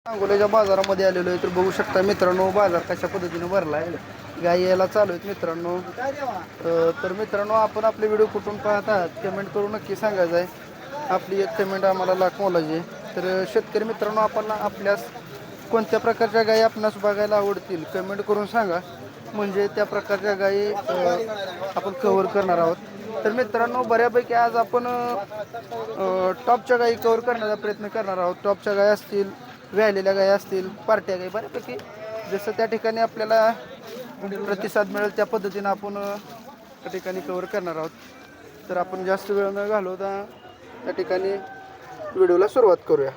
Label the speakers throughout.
Speaker 1: सांगोल्याच्या बाजारामध्ये आलेलो आहे तर बघू शकता मित्रांनो बाजार कशा पद्धतीने भरला आहे. गाई यायला चालू आहेत मित्रांनो. तर मित्रांनो आपण आपले व्हिडिओ कुठून पाहत आहात कमेंट करून नक्की सांगायचं आहे. आपली एक कमेंट आम्हाला लाख मोलाची आहे. तर शेतकरी मित्रांनो आपण आपल्यास कोणत्या प्रकारच्या गायी आपणास बघायला आवडतील कमेंट करून सांगा. म्हणजे त्या प्रकारच्या गायी आपण कव्हर करणार आहोत. तर मित्रांनो बऱ्यापैकी आज आपण टॉपच्या गायी कव्हर करण्याचा प्रयत्न करणार आहोत. टॉपच्या गायी असतील, व्यालेल्या गायी असतील, पार्ट्या गायी बऱ्यापैकी जसं त्या ठिकाणी आपल्याला प्रतिसाद मिळेल त्या पद्धतीनं आपण त्या ठिकाणी कव्हर करणार आहोत. तर आपण जास्त वेळ न घालवता त्या ठिकाणी व्हिडिओला सुरुवात करूया.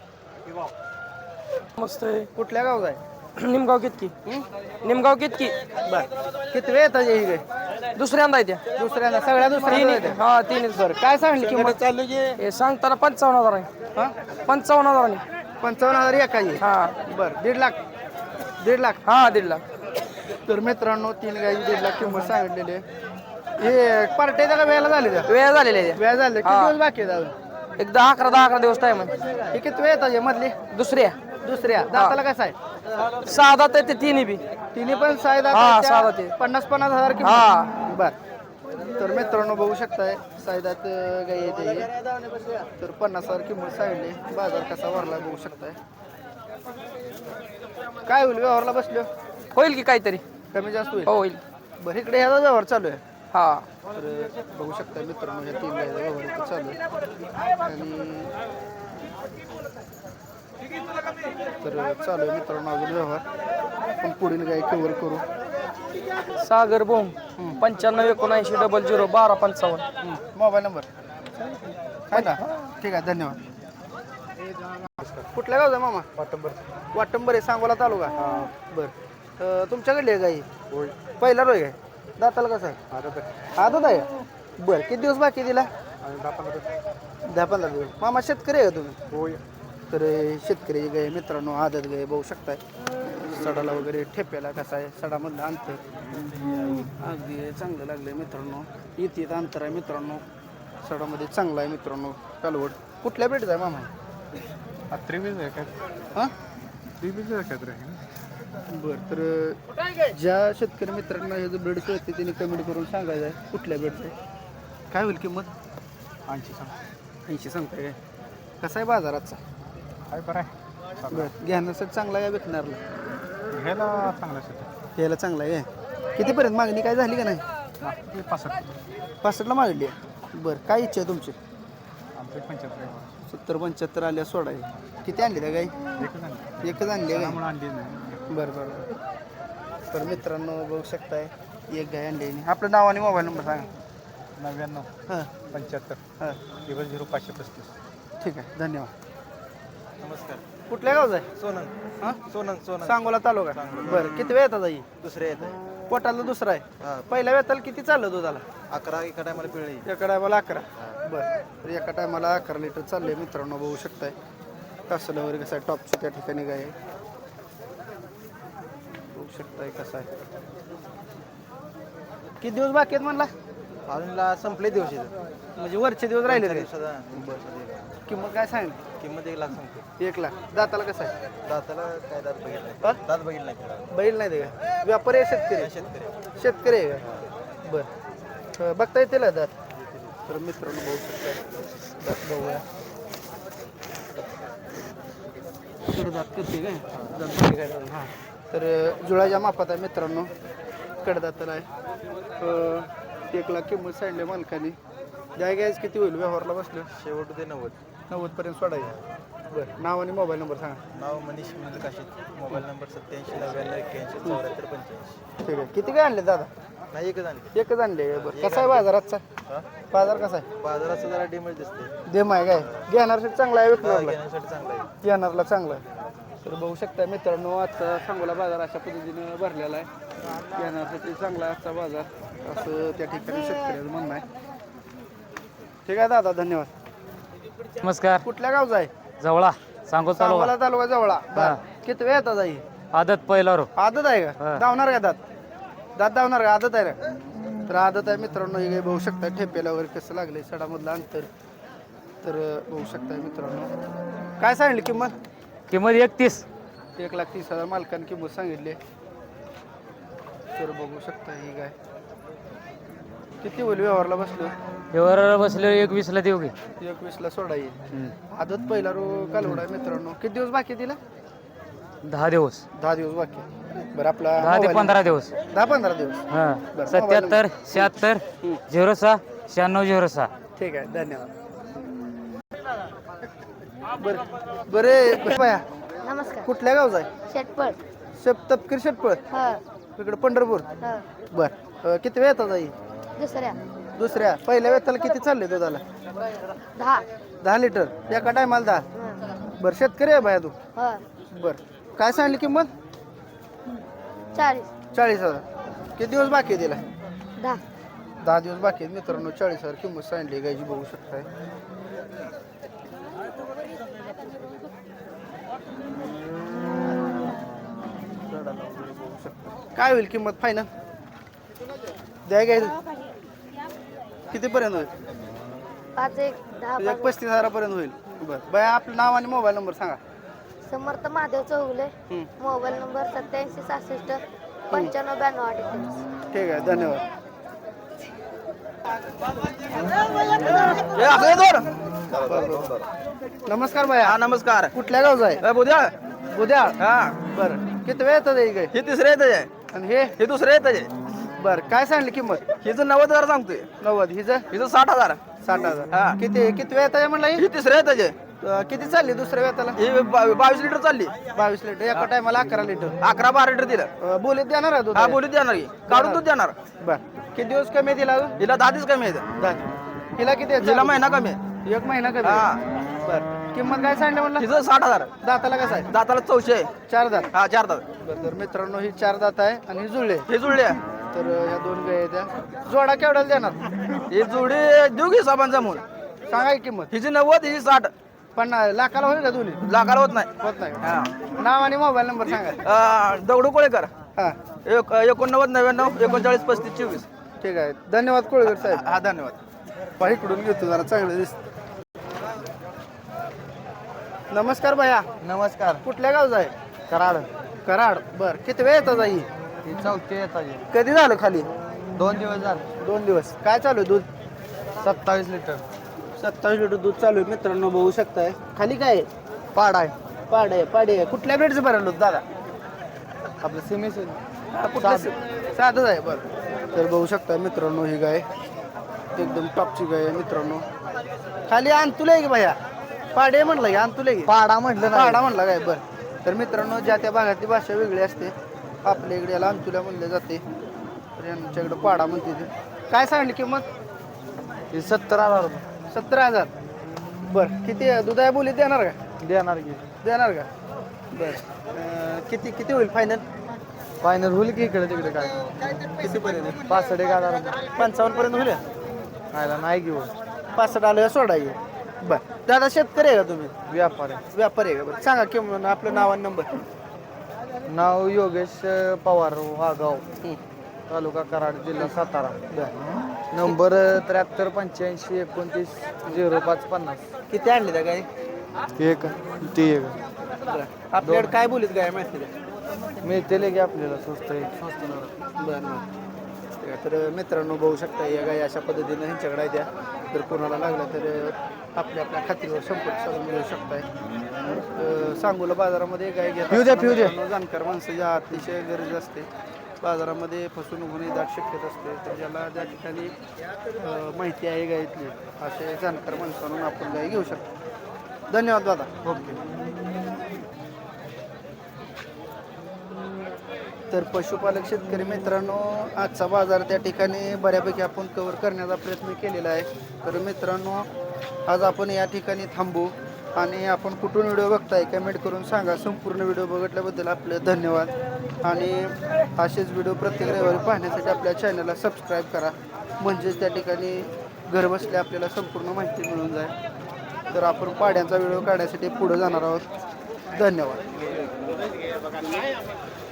Speaker 2: मस्त आहे.
Speaker 1: कुठल्या गावात आहे?
Speaker 2: निमगाव कितकी. निमगाव कितकी.
Speaker 1: बरं किती वेळ येतात ही गाय?
Speaker 2: दुसऱ्यांदा आहे त्या.
Speaker 1: दुसऱ्यांदा सगळ्या दुसऱ्यांदा येतात.
Speaker 2: हा तीनच.
Speaker 1: बरं काय सांगली किंमत चालू
Speaker 2: हे सांगताना 55,000 आहे.
Speaker 1: हा
Speaker 2: 55,000 आहे.
Speaker 1: 55,000 एकाची.
Speaker 2: हा
Speaker 1: बरं 1.5 लाख. 1.5 लाख.
Speaker 2: हा 1.5 लाख.
Speaker 1: तर मित्रांनो 3 गायची 1.5 लाख किंमत सांगितलेली आहे. हे पार्ट्याच्या का वेळेला झाले त्या?
Speaker 2: वेळ झालेला आहे.
Speaker 1: वेळ झाले किती दिवस बाकी आहेत अजून?
Speaker 2: एकदा 11 दिवस टाइम आहे.
Speaker 1: हे किती वेळ येतात मधली? दुसऱ्या दाताला कसं आहे?
Speaker 2: 6 दात आहे ते तिन्ही बी.
Speaker 1: तिन्ही पण 6 दात
Speaker 2: हा,
Speaker 1: आहेत.
Speaker 2: 6 दात आहे.
Speaker 1: 50,000
Speaker 2: हा.
Speaker 1: किंमत. बर तर मित्रांनो बघू शकताय 6 दात गाय येते. तर 50,000 किंमत सांगितली. बाजार कसा भरला बघू शकताय. काय होईल व्यवहारला बसलो?
Speaker 2: होईल की काहीतरी.
Speaker 1: कमी जास्त होईल.
Speaker 2: हो होईल.
Speaker 1: बरं इकडे ह्याचा व्यवहार चालू आहे.
Speaker 2: हा
Speaker 1: तर बघू शकता मित्रांनो ह्या 3 गायचा व्यवहार इथं चालू आहे. आणि तर चालू आहे मित्रांनो अजून व्यवहार. आपण पुढील गाय कव्हर करू.
Speaker 2: सागर बोम 9579001255.
Speaker 1: मोबाईल नंबर आहे ना? ठीक आहे धन्यवाद. कुठल्या गावचा मामा? वाटंबर आहे. सांगोला तालुका. बरं तुमच्याकडली आहे गाई? पहिला रोय आहे. दाताला कसं आहे? आदत आहे. बरं किती दिवस बाकी दिला? 10-15 दिवस. मामा शेतकरी आहे का तुम्ही?
Speaker 3: होय.
Speaker 1: तर शेतकरी गाय मित्रांनो आदत गाय बघू शकताय. सडाला वगैरे ठेप्याला कसा आहे सडामधलं अंतर अगदी चांगलं लागलं मित्रांनो. इथे अंतर आहे मित्रांनो. सडामध्ये चांगलं आहे मित्रांनो. कालवड कुठल्या ब्रीडचा आहे मामा?
Speaker 3: त्रिवीज आहे काय?
Speaker 1: हां
Speaker 3: त्रिवीज आहे काय?
Speaker 1: बरं तर ज्या शेतकरी मित्रांना हे जो ब्रीड कळते त्यांनी कमेंट करून सांगायचं आहे कुठल्या ब्रीडचं आहे. काय होईल किंमत?
Speaker 3: 80 सांग.
Speaker 1: 80 सांगताय काय? कसा आहे बाजाराचा?
Speaker 3: काय बरं आहे?
Speaker 1: बरं घेण्यासाठी चांगला आहे विकणारला?
Speaker 3: घ्यायला चांगलं शेत.
Speaker 1: घ्यायला चांगला आहे. कितीपर्यंत मागणी काय झाली का नाही? 65ला मागली आहे. बरं काय इच्छा आहे तुमची?
Speaker 3: आमचे 75
Speaker 1: 70-75 आल्या सोडाय. किती आणली त्या गाई? एकच आणली आहे
Speaker 3: म्हणून आणली नाही.
Speaker 1: बरं बरं. तर मित्रांनो बघू शकताय एक गाय आणली आहे. आपलं नाव आणि मोबाईल नंबर सांगा.
Speaker 3: 99
Speaker 1: हां
Speaker 3: 75
Speaker 1: हां
Speaker 3: 0535.
Speaker 1: ठीक आहे धन्यवाद.
Speaker 3: नमस्कार.
Speaker 1: कुठल्या गावचं आहे?
Speaker 3: सोनन.
Speaker 1: हां
Speaker 3: सोनन.
Speaker 1: सांगोला तालुका. बरं किती वेळ येतात आई?
Speaker 3: दुसरे येत आहे.
Speaker 1: पोटाला दुसरा आहे. पहिल्या वेताला किती चाललं दुधाला?
Speaker 3: 11 एका टायमाला पिळली.
Speaker 1: एका टायमाला 11. बरं तर एका टायमाला 11 लिटर चालले मित्रांनो बघू शकताय. कासलं वगैरे कसं आहे टॉपची त्या ठिकाणी गाय आहे. बघू शकताय कसं आहे. किती दिवस बाकी आहेत म्हणला?
Speaker 3: अजूनला संपले दिवस
Speaker 1: म्हणजे वरचे दिवस राहिले तरी.
Speaker 3: दिवसाचा
Speaker 1: किंमत काय सांगितली?
Speaker 3: किंमत 1 लाख सांगतो.
Speaker 1: 1 लाख. दाताला कसं आहे?
Speaker 3: दाताला काय दात बघितलं
Speaker 1: हा?
Speaker 3: दात बघितलं नाही.
Speaker 1: बैल नाही ते का? व्यापारी आहे शेतकरी?
Speaker 3: शेतकरी.
Speaker 1: शेतकरी आहे का? बरं बघता येतील दात? तर मित्रांनो बघू शकता दात बघूया. कडदात किती काय? दात बघी काय? हां तर जुळाच्या मापात आहे मित्रांनो. कडदाताला आहे. 1 लाख किंमत सांडली मालकाने. द्या गॅस किती होईल व्यवहारला बसलं?
Speaker 3: शेवट ते 90.
Speaker 1: 90 पर्यंत सोडायचं. बरं नाव आणि मोबाईल नंबर सांगा.
Speaker 3: नाव मनीष मिल काशीद. Mobile number 87 91 81 74 85.
Speaker 1: ठीक आहे. किती काय आणले दादा?
Speaker 3: नाही एकच आणली.
Speaker 1: एकच आणले. बरं कसा आहे बाजाराचा? बाजार कसा आहे?
Speaker 3: बाजाराचं जरा डिमेज दिसते.
Speaker 1: देम आहे काय? घेणारसाठी चांगला आहे विकणारला?
Speaker 3: घेण्यासाठी चांगला आहे.
Speaker 1: घेणारला चांगला आहे. तर बघू शकता मित्रांनो आजचा सांगोला बाजार अशा पद्धतीने भरलेला आहे. घेण्यासाठी चांगला आहे आजचा बाजार असं त्या ठिकाणी शेतकऱ्याचं म्हणणं आहे. ठीक आहे दादा धन्यवाद.
Speaker 2: नमस्कार.
Speaker 1: कुठल्या गावचा आहे?
Speaker 2: जवळा सांगो चालू.
Speaker 1: सांगोला तालुका जवळा. बरं किती वेळ येतात आई?
Speaker 2: आदत पहिला रो.
Speaker 1: आदत आहे का?
Speaker 2: हा.
Speaker 1: धावणार का दात? दात धावणार का? आदत आहे ना? तर आदत आहे मित्रांनो. हे काही बघू शकता ठेप्याला वगैरे कसं लागलंय सडामधलं अंतर. तर बघू शकता मित्रांनो. काय सांगितली किंमत?
Speaker 2: किंमत 31.
Speaker 1: 1,30,000 मालकाने किंमत सांगितली. तर बघू शकता ही गाय किती होईल व्यवहारला बसलो.
Speaker 2: व्यवहाराला बसले 21ला देऊ की.
Speaker 1: 21ला सोडा येईल. आदत पहिला कालवडा आहे मित्रांनो. किती दिवस बाकी आहे तिला?
Speaker 2: 10 दिवस.
Speaker 1: 10 दिवस बाकी आहे. बरं आपला
Speaker 2: 10 ते
Speaker 1: मोबाईल
Speaker 2: 15 दिवस.
Speaker 1: 10-15 दिवस.
Speaker 2: हां
Speaker 1: बरं,
Speaker 2: 77 76 06 96 06.
Speaker 1: ठीक आहे धन्यवाद. बरे बाया
Speaker 4: नमस्कार.
Speaker 1: कुठल्या गावचा आहे?
Speaker 4: शेटपळ.
Speaker 1: तपकीर शेटपळ
Speaker 4: हा
Speaker 1: इकडे पंढरपूर.
Speaker 4: हा.
Speaker 1: बर किती वेळ येतात आई?
Speaker 4: दुसऱ्या
Speaker 1: दुसऱ्या पहिल्या वेताला किती चालले दुधाला?
Speaker 4: 10.
Speaker 1: 10 लिटर एका टायमाला 10. बरं शेतकरी आहे बाया तू?
Speaker 4: हा
Speaker 1: बरं काय सांगली किंमत?
Speaker 4: 40.
Speaker 1: 40,000. किती दिवस बाकी आहे तिला?
Speaker 4: 10.
Speaker 1: 10 दिवस बाकी आहेत मित्रांनो. 40,000 किंमत सांगली गायची बघू शकताय. काय होईल किंमत फायनल? द्या गाय किती पर्यंत होईल?
Speaker 4: 5 1 10
Speaker 1: 35,000 पर्यंत होईल. बरं बाया आपलं नाव आणि मोबाईल नंबर सांगा.
Speaker 4: समर्थ महादेव चौगुले. Mobile number 87 66 95 92 48.
Speaker 1: ठीक आहे धन्यवाद. नमस्कार बाया.
Speaker 3: नमस्कार.
Speaker 1: कुठल्या गावचा आहे?
Speaker 3: बुद्या.
Speaker 1: उद्या.
Speaker 3: हा
Speaker 1: बरं किती वेळ येतात ही गाय?
Speaker 3: हे तिसरे येत आहे.
Speaker 1: आणि हे
Speaker 3: हे दुसरे येत आहे.
Speaker 1: बरं काय सांगली किंमत?
Speaker 3: हिचं 90,000 सांगतोय.
Speaker 1: 90. हिचं
Speaker 3: हिचं 60,000.
Speaker 1: 60,000.
Speaker 3: हा.
Speaker 1: किती वेळ येतात म्हणला ही?
Speaker 3: ही तिसरे येत आहे.
Speaker 1: किती चालली दुसऱ्या वेताला?
Speaker 3: ही 22 लिटर चालली.
Speaker 1: 22 लिटर एका टायमाला 11 लिटर.
Speaker 3: 11-12 लिटर दिलं.
Speaker 1: बोलीत देणार आहे दूध?
Speaker 3: हा बोलीत देणार की काढून दूध देणार.
Speaker 1: बर किती दिवस कमी दिला अजून?
Speaker 3: हिला 10 दिवस कमी आहे.
Speaker 1: 10. हिला किती आहे?
Speaker 3: हिला महिना कमी आहे.
Speaker 1: 1 महिना कमी.
Speaker 3: हा.
Speaker 1: बर किंमत काय सांगितलं म्हणलं?
Speaker 3: हिचं 60,000.
Speaker 1: दाताला कसं आहे?
Speaker 3: दाताला 400 आहे.
Speaker 1: 4 दात.
Speaker 3: हा 4 दात.
Speaker 1: बरं तर मित्रांनो ही 4 दात आहे आणि ही जुळले.
Speaker 3: हे जुळले.
Speaker 1: तर ह्या 2 गाय द्या. जोडा केवढ्याला देणार?
Speaker 3: ही जोडी देऊ की साबान जमून.
Speaker 1: सांगा की किंमत.
Speaker 3: हिची 90 हिची 60.
Speaker 1: 50 लाखाला होईल का दोन्ही?
Speaker 3: लाखाला होत नाही.
Speaker 1: होत नाही.
Speaker 3: हा.
Speaker 1: नाव आणि मोबाईल नंबर सांगा.
Speaker 3: दगडू कोळेकर.
Speaker 1: हा
Speaker 3: 89 99 39 35 24.
Speaker 1: ठीक आहे धन्यवाद कोळगर साहेब.
Speaker 3: हा धन्यवाद.
Speaker 1: पाहिकडून घेतो जरा चांगलं दिसत. नमस्कार भैया.
Speaker 3: नमस्कार.
Speaker 1: कुठल्या गावचा आहे?
Speaker 3: कराड.
Speaker 1: कराड. बर किती वेळ येतात आई?
Speaker 3: ही 4थी येतात.
Speaker 1: कधी झालं खाली?
Speaker 3: 2 दिवस झाले.
Speaker 1: 2 दिवस. काय चालू आहे दूध?
Speaker 3: 27 लिटर.
Speaker 1: 27 लिटर दूध चालू आहे मित्रांनो बघू शकताय. खाली काय आहे?
Speaker 3: पाड आहे.
Speaker 1: पाड आहे. पाडी आहे. कुठल्या ब्रेडचं भरलं होतं दादा?
Speaker 3: आपलं सिमेस.
Speaker 1: साधच आहे. बरं तर बघू शकता मित्रांनो ही गाय एकदम टॉपची गाय आहे मित्रांनो. खाली आणतुले की भैया? पाडे म्हणलं की आणतुले की?
Speaker 3: पाडा म्हटलं ना.
Speaker 1: पाडा म्हणला काय? बरं तर मित्रांनो ज्या त्या भागातली भाषा वेगळी असते. आपल्या इकडे याला अंतुल्या म्हणले जाते. तर यांच्याकडे पाडा म्हणते ते. काय सांगली किंमत?
Speaker 3: ही 70,000.
Speaker 1: 17,000. बरं किती दुधाया बोलीत देणार का?
Speaker 3: देणार की.
Speaker 1: देणार का? बरं किती किती होईल फायनल?
Speaker 3: फायनल होईल की इकडे तिकडे काय.
Speaker 1: कितीपर्यंत?
Speaker 3: 65,000.
Speaker 1: 55 पर्यंत होईल?
Speaker 3: खायला नाही घेऊ.
Speaker 1: 65 आलं सोडाय. बरं दादा शेतकरी आहे का तुम्ही?
Speaker 3: व्यापारी.
Speaker 1: व्यापारी आहे का? बरं सांगा किंमत आपलं नाव आणि नंबर.
Speaker 3: नाव योगेश पवार वागाव तालुका कराड जिल्हा सातारा. नंबर 73 85 29 05 50.
Speaker 1: किती आणले त्या गाय?
Speaker 3: एक ती एक
Speaker 1: बरं आपल्याकडे काय बोलीत गाय माहिती आहे?
Speaker 3: मिळते की आपल्याला स्वस्त आहे.
Speaker 1: बरं बरं तर मित्रांनो बघू शकता या गाय अशा पद्धतीनं ह्यांच्याकडे द्या. जर कोणाला लागलं तर आपल्या आपल्या खात्रीवर संपर्क साधून मिळू शकताय. सांगोला बाजारामध्ये गाय घेतात. मित्रांनो, जाणकार माणसाची अतिशय गरज असते. बाजारामध्ये फसवणूक होणे दाट शक्यता असते. तर ज्याला ज्या ठिकाणी माहिती आहे गायतली असे जाणकार माणसांना आपण गाय घेऊ शकतो. धन्यवाद दादा. ओके. तर पशुपालक शेतकरी मित्रांनो आजचा बाजार त्या ठिकाणी बऱ्यापैकी आपण कव्हर करण्याचा प्रयत्न केलेला आहे. तर मित्रांनो आज आपण या ठिकाणी थांबू आणि आपण कुठून व्हिडिओ बघताय कमेंट करून सांगा. संपूर्ण व्हिडिओ बघितल्याबद्दल आपले धन्यवाद. आणि असेच व्हिडिओ प्रत्येक रविवारी पाहण्यासाठी आपल्या चॅनलला सबस्क्राईब करा. म्हणजेच त्या ठिकाणी घरबसल्या आपल्याला संपूर्ण माहिती मिळून जाईल. तर आपण पाड्यांचा व्हिडिओ काढण्यासाठी पुढे जाणार आहोत. धन्यवाद.